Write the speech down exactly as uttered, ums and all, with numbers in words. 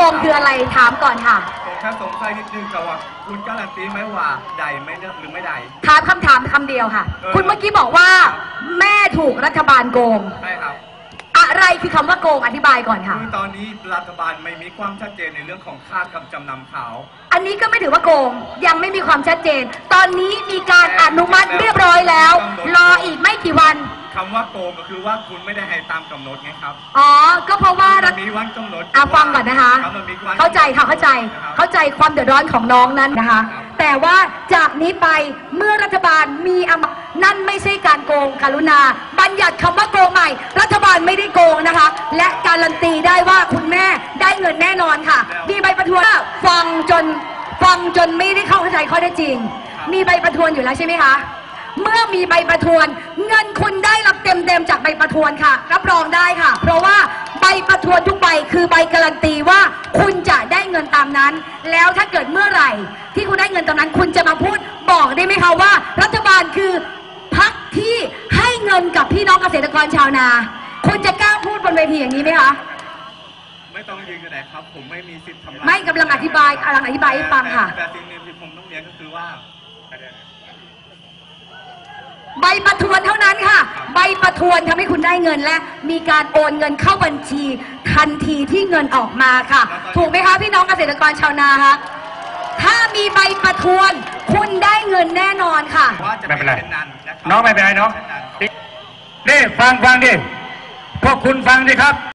งคืออะไรถามก่อนค่ะผมแค่สงสัยนิดนึงกับว่าคุณการันตีไหมว่าใดไม่หรือไม่ใดถามคำถามคำเดียวค่ะคุณเมื่อกี้บอกว่าแม่ถูกรัฐบาลโกงใช่ครับอะไรคือคำว่าโกงอธิบายก่อนค่ะคือตอนนี้รัฐบาลไม่มีความชัดเจนในเรื่องของค่ากำจำนำเขาอันนี้ก็ไม่ถือว่าโกงยังไม่มีความชัดเจนตอนนี้มีการอนุมัติเรียบร้อยแล้วรออีกไม่กี่วันคำว่าโกงก็คือว่าคุณไม่ได้ให้ตามกำหนดไงครับอ๋อก็เพราะว่ามีวันกำหนดอ่ะฟังก่อนนะคะเข้าใจค่ะเข้าใจเข้าใจความเดือดร้อนของน้องนั้นนะคะแต่ว่าจากนี้ไปเมื่อรัฐบาลมีอำนาจนั่นไม่ใช่การโกงกรุณาบัญญัติคำว่าโกงใหม่รัฐบาลไม่ได้โกงนะคะและการันตีได้ว่าคุณแม่ได้เงินแน่นอนค่ะมีใบประทวนฟังจนฟังจนไม่ได้เข้าใจข้อเท็จจริงมีใบประทวนอยู่แล้วใช่ไหมคะเมื่อมีใบประทวนเงินคุณได้รับเต็มๆจากใบประทวนค่ะรับรองได้ค่ะเพราะว่าใบประทวนทุกใบคือใบการันตีว่าคุณจะได้เงินตามนั้นแล้วถ้าเกิดเมื่อไหร่ที่คุณได้เงินตามนั้นคุณจะมาพูดบอกได้ไหมคะว่ารัฐบาลคือพรรคที่ให้เงินกับพี่น้องเกษตรกรชาวนาคุณจะกล้าพูดบนเวทีอย่างนี้ไหมคะไม่ต้องยืนกันไหนครับผมไม่มีสิทธิ์ทำไม่กำลังอธิบายกำลังอธิบายให้ฟังค่ะแต่สิ่งหนึ่งที่ผมต้องเรียนก็คือว่าใบประทวนเท่านั้นค่ะใบประทวนทำให้คุณได้เงินและมีการโอนเงินเข้าบัญชีทันทีที่เงินออกมาค่ะถูกไหมคะพี่น้องเกษตรกรชาวนาคะถ้ามีใบประทวนคุณได้เงินแน่นอนค่ะไม่เป็นไรน้องไม่เป็นไรน้องนี่ฟังฟังดิพวกคุณฟังดิครับ